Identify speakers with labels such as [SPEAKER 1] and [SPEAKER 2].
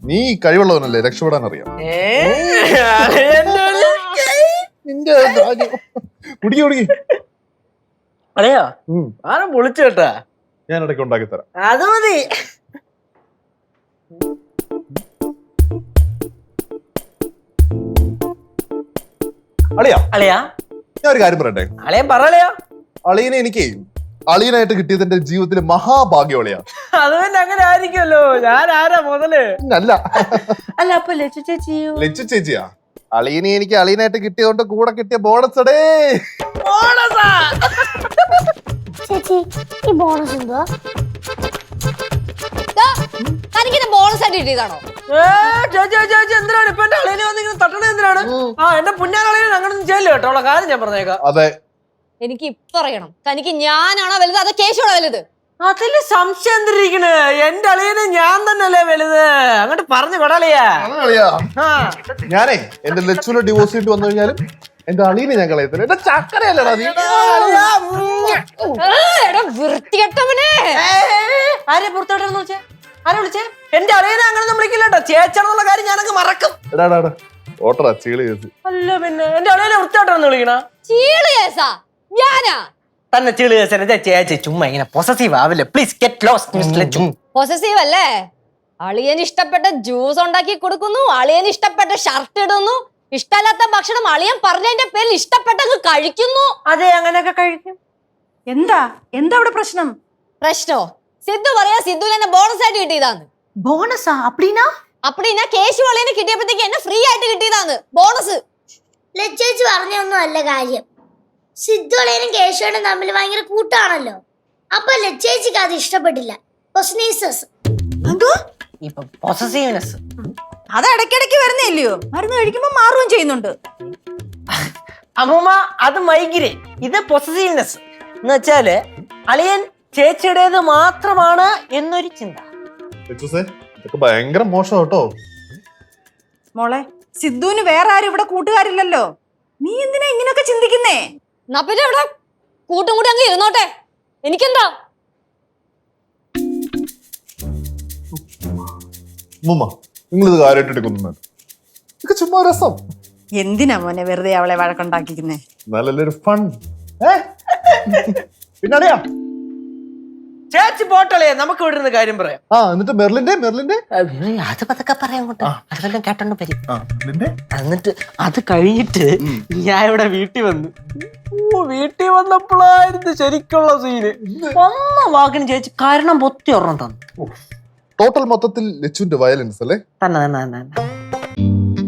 [SPEAKER 1] നീ കഴിവുള്ളവനല്ലേ, രക്ഷപ്പെടാൻ അറിയാം. നിന്റെ കുടിക്കി കുടിക്കി.
[SPEAKER 2] അതെയോ? ആരും പൊളിച്ചു കേട്ടാ.
[SPEAKER 1] ഞാൻ ഇടയ്ക്ക് ഉണ്ടാക്കി തരാം.
[SPEAKER 2] അത് മതി.
[SPEAKER 1] അളിയാ
[SPEAKER 2] അളിയാ
[SPEAKER 1] ഞാൻ ഒരു കാര്യം പറയട്ടെ.
[SPEAKER 2] അളിയൻ പറയലയോ?
[SPEAKER 1] അളിയനെ എനിക്ക് അളിയനായിട്ട് കിട്ടിയത് എന്റെ ജീവിതത്തിലെ മഹാഭാഗ്യം അളിയാ.
[SPEAKER 2] അത് തന്നെ അങ്ങനെ ആയിരിക്കുമല്ലോ. ഞാൻ ആരാ മുതല്?
[SPEAKER 1] അല്ല
[SPEAKER 2] അല്ല അപ്പൊ ലച്ചു ചേച്ചിയോ?
[SPEAKER 1] ലച്ചു ചേച്ചിയാ. അളിയനെ എനിക്ക് അളിയനായിട്ട് കിട്ടിയതുകൊണ്ട് കൂടെ കിട്ടിയ ബോണസ് അടേ.
[SPEAKER 2] ബോണസാ?
[SPEAKER 3] ചേച്ചി ഈ ബോണസ് എന്തുവാ? തനിക്ക് ബോണസ് ആയിട്ട് കിട്ടിയതാണോ?
[SPEAKER 2] ചേച്ചി എന്തിനാണ് ഇപ്പൊ എന്റെ അളിയനെ വന്നിങ്ങനെ തട്ടണത്? എന്തിനാണ്? എന്റെ പുന്നാളിയനെ അങ്ങനൊന്നും ചെയ്യല്ലോ കേട്ടോ. ഉള്ള കാര്യം ഞാൻ പറഞ്ഞേക്കാം.
[SPEAKER 1] അതെ,
[SPEAKER 3] എനിക്ക് ഇപ്പൊ അറിയണം, തനിക്ക് ഞാനാണോ വലുത് അതോ കേശുവാണോ വലുത്?
[SPEAKER 2] അതില് സംശയം എന്തിരിക്കണ്? എന്റെ അളിയനെ ഞാൻ തന്നെയല്ലേ വലുത്. അങ്ങോട്ട് പറഞ്ഞു കൊടാളിയാ.
[SPEAKER 1] ഞാനേ എന്റെ ലച്ചുവിനെ ഡിവോഴ്സ് ചെയ്തിട്ട് വന്നു കഴിഞ്ഞാലും എന്റെ അളിയനെ ഞാൻ കളയത്തില്ല. എന്റെ ചക്കരയല്ലടാ നീ.
[SPEAKER 3] വൃത്തികെട്ടവനെ!
[SPEAKER 2] ആരെ പുറത്തോട്ടെന്ന് വെച്ചേ? ആരെ വിളിച്ചേ? എന്റെ അളിയനെ അങ്ങനെ വിളിക്കില്ല കേട്ടോ. ചേച്ചാണെന്നുള്ള കാര്യം ഞാനങ്ങ് മറക്കും.
[SPEAKER 1] ഓട്ടറാ ചീളി കേസ്.
[SPEAKER 2] അല്ല പിന്നെ എന്റെ അളിയനെ വൃത്തിയോട്ടെന്ന് വിളിക്കണ?
[SPEAKER 3] ചീള് കേസാ? ഞാനാ
[SPEAKER 2] തന്നെ ചീള് കേസനെ ചേച്ചി ചുമ്മാ ഇങ്ങനെ പൊസസീവ് ആവില്ലേ. Please get lost mister Lachu.
[SPEAKER 3] Possessive അല്ലേ? അളിയന് ഇഷ്ടപ്പെട്ട ജ്യൂസ് ഉണ്ടാക്കി കൊടുക്കുന്നു, അളിയന് ഇഷ്ടപ്പെട്ട ഷർട്ട് ഇടുന്നു, ഇഷ്ടമല്ലാത്ത ഭക്ഷണം അളിയൻ പറഞ്ഞതിന്റെ പേരിൽ ഇഷ്ടപ്പെട്ടങ്ങ് കഴിക്കുന്നു.
[SPEAKER 2] അതെ, അങ്ങനെയൊക്കെ കഴിക്കും.
[SPEAKER 4] എന്താ അവിടെ പ്രശ്നം?
[SPEAKER 3] പ്രശ്നോ? സിദ്ധു പറയാ സിദ്ധുവിന് എന്നെ ബോണസ് ആയിട്ട് കിട്ടിയതാന്ന്.
[SPEAKER 4] ബോണസാ? അപ്പടിനാ
[SPEAKER 3] കേശു അളിയന് കിട്ടിയപ്പോഴത്തേക്ക് എന്നെ ഫ്രീ ആയിട്ട് കിട്ടിയതാന്ന് ബോണസ്.
[SPEAKER 5] ലച്ചേച്ചി പറഞ്ഞൊന്നും അല്ല കാര്യം. സിദ്ധു അളിയനും കേശവനും തമ്മിൽ ഭയങ്കര കൂട്ടാണല്ലോ. അപ്പൊ ലച്ചേച്ചിക്ക് അത് ഇഷ്ടപ്പെട്ടില്ല.
[SPEAKER 4] അത് ഇടയ്ക്കിടയ്ക്ക് വരുന്നില്ലയോ? മരുന്ന് കഴിക്കുമ്പോ മാറുകയും ചെയ്യുന്നുണ്ട്.
[SPEAKER 2] അമ്മൂമ്മ, അത് മൈഗ്രേൻ, ഇത് പൊസസീവ്നെസ് എന്ന് വെച്ചാല് അളിയൻ ചേച്ചിയുടേത് മാത്രമാണ് എന്നൊരു ചിന്ത.
[SPEAKER 1] ഇതൊക്കെ ഭയങ്കര മോശം കേട്ടോ.
[SPEAKER 4] മോളെ, സിദ്ധുവിന് വേറെ ആരും ഇവിടെ കൂട്ടുകാരില്ലല്ലോ. നീ എന്തിനാ ഇങ്ങനെയൊക്കെ ചിന്തിക്കുന്നേ?
[SPEAKER 3] എന്നാ പിന്നെ ഇവിടെ കൂട്ടും കൂടി അങ്ങ് ഇരുന്നോട്ടെ, എനിക്കെന്താ?
[SPEAKER 1] നിങ്ങളിത് കാര്യമായിട്ട് എടുക്കുന്നു. ഇതൊക്കെ ചുമ്മാ രസം.
[SPEAKER 4] എന്തിനാ മോനെ വെറുതെ അവളെ വഴക്കുണ്ടാക്കിക്കുന്നേ?
[SPEAKER 1] നല്ലൊരു ഫൺ. പിന്നറിയാ
[SPEAKER 2] ചേച്ചി പോട്ടളേ, നമുക്ക് ഇവിടെ ഇരുന്ന് കാര്യം പറയാം.
[SPEAKER 1] എന്നിട്ട് മെർലിന്റെ
[SPEAKER 2] അത് പതൊക്കെ പറയാം. അതെല്ലാം കേട്ടോണ്ട് വരും. എന്നിട്ട് അത് കഴിഞ്ഞിട്ട് ഞാൻ ഇവിടെ വീട്ടിൽ വന്നു. വീട്ടിൽ വന്നപ്പോഴായിരുന്നു ശരിക്കുള്ള സീന്. ഒന്ന വാക്കിന് ചേച്ചി കാരണം പൊത്തി ഒരെണ്ണം തന്നു.
[SPEAKER 1] ടോട്ടൽ മൊത്തത്തിൽ ലച്ചുവിന്റെ വയലൻസ് അല്ലേ?
[SPEAKER 2] തന്നെ